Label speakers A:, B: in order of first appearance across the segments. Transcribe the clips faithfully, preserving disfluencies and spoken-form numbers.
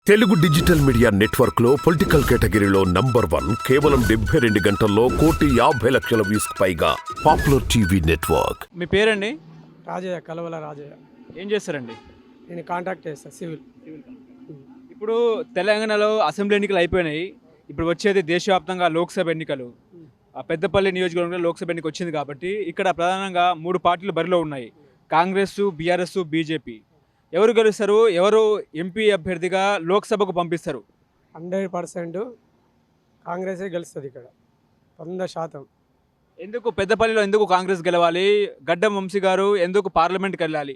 A: Telugu digital media network లో political కేటగిరీలో number one కేవలం డెబ్బై రెండు గంటల్లో కోటి యాభై లక్షల వ్యూస్ పైగా పాపులర్ టీవీ నెట్వర్క్.
B: మీ పేరండి?
C: రాజయ్య, కలవల రాజయ్య.
B: ఏం చేస్తారండి?
C: నేను కాంటాక్ట్ చేస్తాను, సివిల్.
B: ఇప్పుడు తెలంగాణలో అసెంబ్లీ ఎన్నికలు అయిపోయినాయి. ఇప్పుడు వచ్చేది దేశవ్యాప్తంగా లోక్సభ ఎన్నికలు. ఆ పెద్దపల్లి నియోజకవర్గంలో లోక్సభ ఎన్నిక వచ్చింది కాబట్టి ఇక్కడ ప్రధానంగా మూడు పార్టీలు బరిలో ఉన్నాయి: కాంగ్రెస్, బీఆర్ఎస్, బీజేపీ. ఎవరు గెలుస్తారు? ఎవరు ఎంపీ అభ్యర్థిగా లోక్సభకు పంపిస్తారు?
C: హండ్రెడ్ పర్సెంట్ కాంగ్రెసే గెలుస్తుంది ఇక్కడ, వంద శాతం.
B: ఎందుకు పెద్దపల్లిలో ఎందుకు కాంగ్రెస్ గెలవాలి? గడ్డం వంశీ గారు ఎందుకు పార్లమెంట్కి వెళ్ళాలి?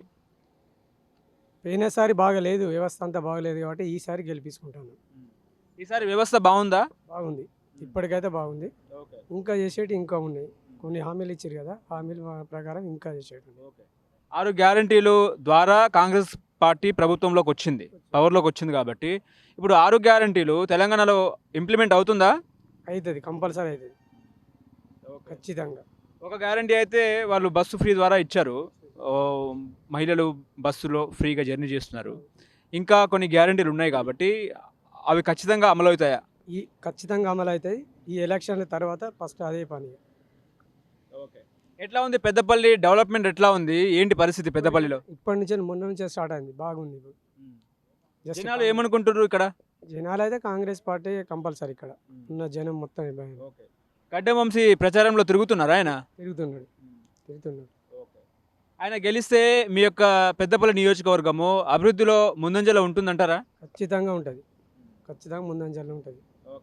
C: పోయినసారి బాగలేదు, వ్యవస్థ అంతా బాగలేదు కాబట్టి ఈసారి గెలిపించుకుంటాను.
B: ఈసారి వ్యవస్థ బాగుందా?
C: బాగుంది, ఇప్పటికైతే బాగుంది. ఇంకా చేసేటి ఇంకా ఉన్నాయి, కొన్ని హామీలు ఇచ్చారు కదా, హామీల ప్రకారం ఇంకా చేసేటి.
B: ఆరు గ్యారంటీలు ద్వారా కాంగ్రెస్ పార్టీ ప్రభుత్వంలోకి వచ్చింది, పవర్లోకి వచ్చింది కాబట్టి ఇప్పుడు ఆరు గ్యారంటీలు తెలంగాణలో ఇంప్లిమెంట్ అవుతుందా?
C: అవుతుంది, కంపల్సరీ అవుతుంది, ఖచ్చితంగా.
B: ఒక గ్యారంటీ అయితే వాళ్ళు బస్సు ఫ్రీ ద్వారా ఇచ్చారు, మహిళలు బస్సులో ఫ్రీగా జర్నీ చేస్తున్నారు. ఇంకా కొన్ని గ్యారంటీలు ఉన్నాయి కాబట్టి అవి ఖచ్చితంగా అమలు అవుతాయా?
C: ఈ ఖచ్చితంగా అమలు అవుతాయి. ఈ ఎలక్షన్ల తర్వాత ఫస్ట్ అదే పని.
B: ఓకే, ఎట్లా ఉంది పెద్దపల్లి డెవలప్మెంట్? ఎట్లా ఉంది, ఏంటి పరిస్థితి పెద్దపల్లిలో?
C: ఇప్పటి నుంచే మొన్న నుంచే స్టార్ట్ అయింది, బాగుంది. ఇప్పుడు
B: జనాలు ఏమనుకుంటున్నారు ఇక్కడ?
C: జనాలు అయితే కాంగ్రెస్ పార్టీ కంపల్సరీ, ఇక్కడ ఉన్న జనం మొత్తం
B: గడ్డం వంశీ ప్రచారంలో తిరుగుతున్నారా? ఆయన
C: తిరుగుతున్నాడు తిరుగుతున్నాడు
B: ఆయన గెలిస్తే మీ యొక్క పెద్దపల్లి నియోజకవర్గము అభివృద్ధిలో ముందంజలో ఉంటుందంటారా?
C: ఖచ్చితంగా ఉంటుంది, ఖచ్చితంగా ముందంజలో ఉంటుంది.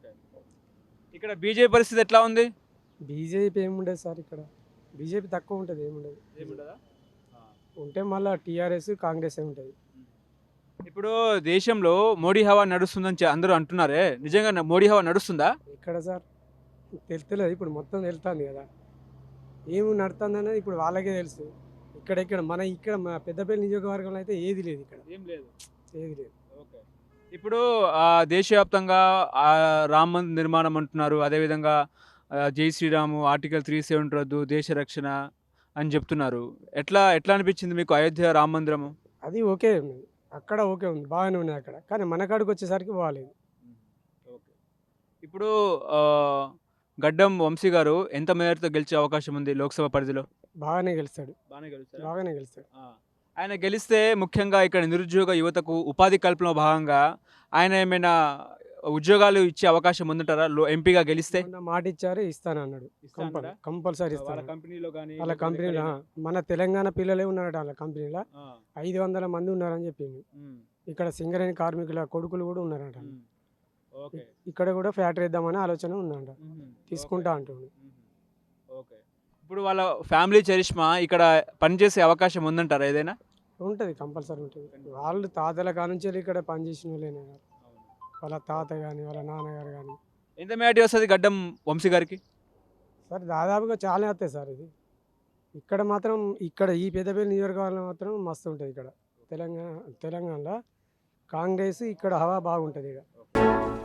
B: ఇక్కడ బీజేపీ పరిస్థితి ఎట్లా ఉంది?
C: బీజేపీ ఏముండదు సార్, ఇక్కడ బీజేపీ తక్కువ ఉంటుంది, ఏముండదు.
B: ఏముండదా?
C: ఉంటే మళ్ళీ టీఆర్ఎస్ కాంగ్రెస్ ఏ ఉంటుంది.
B: ఇప్పుడు దేశంలో మోడీ హవా నడుస్తుందని చె- అందరూ అంటున్నారే, నిజంగా న- మోడీ హవా నడుస్తుందా?
C: ఇక్కడ సార్ తెలుస్తలేదు, ఇప్పుడు మొత్తం తెలుస్తుంది కదా ఏమి నడుతుంది అనేది ఇప్పుడు వాళ్ళకే తెలుసు. ఇక్కడ ఇక్కడ మన ఇక్కడ మా పెద్దపల్లి నియోజకవర్గంలో అయితే ఏది లేదు, ఇక్కడ
B: ఏం లేదు.
C: ఏది లేదు.
B: ఇప్పుడు ఆ, దేశవ్యాప్తంగా ఆ, రామ మందిర్ నిర్మాణం అంటున్నారు, అదేవిధంగా ఆ, జై శ్రీరాము, ఆర్టికల్ త్రీ సెవెంటీ రద్దు, దేశ రక్షణ అని చెప్తున్నారు. ఎట్లా ఎట్లా అనిపించింది మీకు అయోధ్య రామ మందిరము?
C: అది ఓకే ఉంది, అక్కడ ఓకే ఉంది, బాగానే ఉంది అక్కడ. కానీ మన కాడికి వచ్చేసరికి బాగాలేదు.
B: ఇప్పుడు ఆ, గడ్డం వంశీ గారు ఎంత మేరతో గెలిచే అవకాశం ఉంది లోక్సభ పరిధిలో?
C: బాగానే గెలుస్తాడు,
B: బాగానే గెలుస్తారు.
C: బాగానే గెలుస్తాడు.
B: ఆయన గెలిస్తే ముఖ్యంగా ఇక్కడ నిరుద్యోగ యువతకు ఉపాధి కల్పనలో భాగంగా ఆయన ఏమైనా ఉద్యోగాలు ఇచ్చే అవకాశం ఉందంటారా లో ఎంపీగా గెలిస్తే?
C: మొన్న మాట ఇచ్చారు, ఇస్తాను అన్నాడు. కంపల్ కంపల్సరీ
B: వాళ్ళ
C: ఇస్తాను.
B: కంపెనీలో కానీ
C: వాళ్ళ కంపెనీలో మన తెలంగాణ పిల్లలే ఉన్నారట, వాళ్ళ కంపెనీలో ఐదు వందల మంది ఉన్నారని చెప్పింది. ఇక్కడ సింగరేణి కార్మికుల కొడుకులు కూడా ఉన్నారట.
B: ఓకే,
C: ఇక్కడ కూడా ఫ్యాక్టరీ ఇద్దామని ఆలోచన ఉందంట, తీసుకుంటా అంటుండు.
B: ఓకే. ఇప్పుడు వాళ్ళ ఫ్యామిలీ చరిష్మా ఇక్కడ పనిచేసే అవకాశం ఉందంటారా ఏదైనా?
C: ఉంటుంది, కంపల్సరీ ఉంటుంది. వాళ్ళు తాతల కానుంచి ఇక్కడ పనిచేసిన వాళ్ళేనా, వాళ్ళ తాత కానీ వాళ్ళ నాన్నగారు కానీ.
B: ఎంత మేటి వస్తుంది గడ్డం వంశీ గారికి?
C: సార్ దాదాపుగా చాలా వస్తాయి సార్. ఇది ఇక్కడ మాత్రం ఇక్కడ ఈ పెద్దపల్లి నియోజకవర్గంలో మాత్రం మస్తు ఉంటుంది. ఇక్కడ తెలంగాణ తెలంగాణలో కాంగ్రెస్ ఇక్కడ హవా బాగుంటుంది ఇక్కడ.